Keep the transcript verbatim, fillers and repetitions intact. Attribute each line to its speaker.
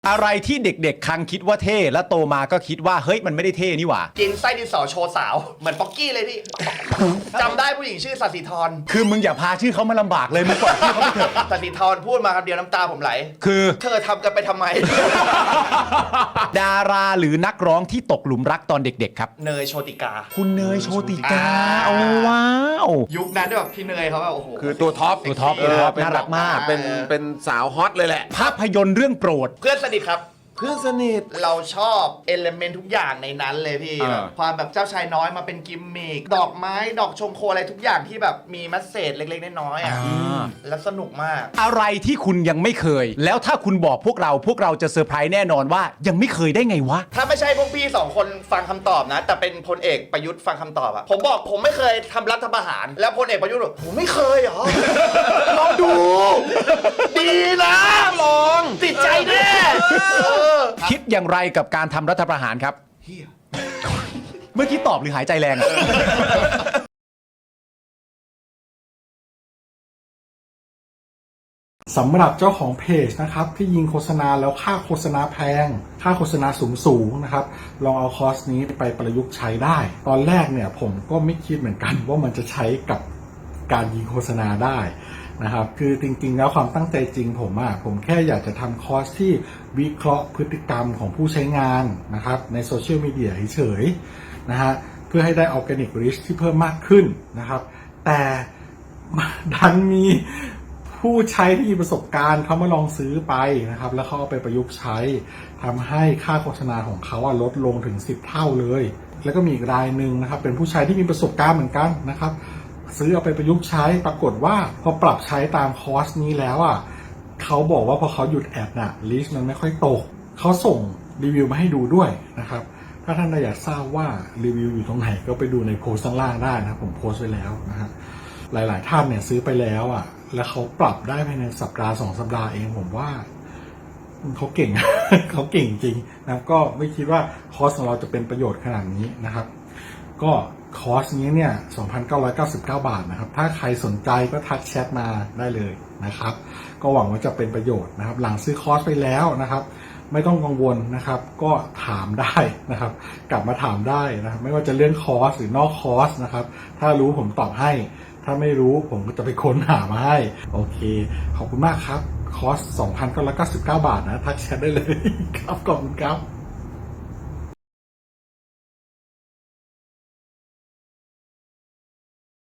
Speaker 1: อะไรที่เด็กๆคังคิดว่าเท่แล้วโตมาก็คิดว่าเฮ้ยมันไม่ได้เท่นี่หว่า
Speaker 2: กินไส้ดินสอโชว์สาวเหมือนป๊อกกี้เลยพี่ จำได้ผู้หญิงชื่อสัสิธร
Speaker 1: คือมึงอย่าพาชื่อเขามาลำบากเลยมึงปล่อยชื่อเขาไปเถอะ
Speaker 2: สัสิธรพูดมาคำเดียวน้ำตาผมไหล
Speaker 1: คือ
Speaker 2: เธอทำกันไปทำไม
Speaker 1: ดาราหรือนักร้องที่ตกหลุมรักตอนเด็กๆครับ
Speaker 2: เนยโชติกา
Speaker 1: คุณเนยโชติกาโอ้ว้าว
Speaker 2: ยุคนั้นแบบพี่เนยเขาแบบโอ้โห
Speaker 3: คือตัวท็อป
Speaker 1: ตัวท็อปตัวท็อปน่ารักมาก
Speaker 3: เป็นเป็นสาวฮอตเลยแหละ
Speaker 1: ภาพยนตร์เรื่องโปรด
Speaker 2: เพื่อนสนิทครับ
Speaker 3: เพื่อนสนิท
Speaker 2: เราชอบเอลเมนต์ทุกอย่างในนั้นเลยพี่แบบความแบบเจ้าชายน้อยมาเป็นกิมมิคดอกไม้ดอกชงโคอะไรทุกอย่างที่แบบมีมัสเซจเล็กๆน้อยๆอ่ะแล้วสนุกมาก
Speaker 1: อะไรที่คุณยังไม่เคยแล้วถ้าคุณบอกพวกเราพวกเราจะเซอร์ไพรส์แน่นอนว่ายังไม่เคยได้ไงวะ
Speaker 2: ถ้าไม่ใช่พวกพี่สองคนฟังคำตอบนะแต่เป็นพลเอกประยุทธ์ฟังคำตอบอะผมบอกผมไม่เคยทำรัฐประหารแล้วพลเอกประยุทธ์บอกผมไม่เคยเหรอ ลองดูดีนะลองติดใจแน่
Speaker 1: คิดอย่างไรกับการทำรัฐประหารครับเมื่อกี้ตอบหรือหายใจแรง
Speaker 4: สำหรับเจ้าของเพจนะครับที่ยิงโฆษณาแล้วค่าโฆษณาแพงค่าโฆษณาสูงสูงนะครับลองเอาคอร์สนี้ไปประยุกต์ใช้ได้ตอนแรกเนี่ยผมก็ไม่คิดเหมือนกันว่ามันจะใช้กับการยิงโฆษณาได้นะครับคือจริงๆแล้วความตั้งใจจริงผมอะผมแค่อยากจะทำคอร์สที่วิเคราะห์พฤติกรรมของผู้ใช้งานนะครับในโซเชียลมีเดียเฉยๆนะฮะเพื่อให้ได้ออร์แกนิกริชที่เพิ่มมากขึ้นนะครับแต่ดันมีผู้ใช้ที่มีประสบการณ์เขามาลองซื้อไปนะครับแล้วเขาเอาไปประยุกต์ใช้ทำให้ค่าโฆษณาของเขาลดลงถึงสิบเท่าเลยแล้วก็มีอีกรายหนึ่งนะครับเป็นผู้ใช้ที่มีประสบการณ์เหมือนกันนะครับซื้อเอาไปประยุกต์ใช้ปรากฏว่าพอปรับใช้ตามคอร์สนี้แล้วอ่ะเขาบอกว่าพอเขาหยุดแอดน่ะลิสต์มันไม่ค่อยตกเขาส่งรีวิวมาให้ดูด้วยนะครับถ้าท่านอยากทราบว่ารีวิวอยู่ตรงไหนก็ไปดูในโพสต์ข้างล่างได้นะผมโพสต์ไว้แล้วนะครับหลายๆท่านเนี่ยซื้อไปแล้วอ่ะแล้วเขาปรับได้ภายในสัปดาห์สองสัปดาห์เองผมว่าเขาเก่ง เขาเก่งจริงนะก็ไม่คิดว่าคอร์สของเราจะเป็นประโยชน์ขนาดนี้นะครับก็คอร์สนี้เนี่ย สองพันเก้าร้อยเก้าสิบเก้า บาทนะครับถ้าใครสนใจก็ทักแชทมาได้เลยนะครับก็หวังว่าจะเป็นประโยชน์นะครับหลังซื้อคอร์สไปแล้วนะครับไม่ต้องกังวลนะครับก็ถามได้นะครับกลับมาถามได้นะครับไม่ว่าจะเรื่องคอร์สหรือนอกคอร์สนะครับถ้ารู้ผมตอบให้ถ้าไม่รู้ผมก็จะไปค้นหามาให้โอเคขอบคุณมากครับคอร์ส สองพันเก้าร้อยเก้าสิบเก้า บาทนะทักแชทได้เลยครับขอบคุณครับ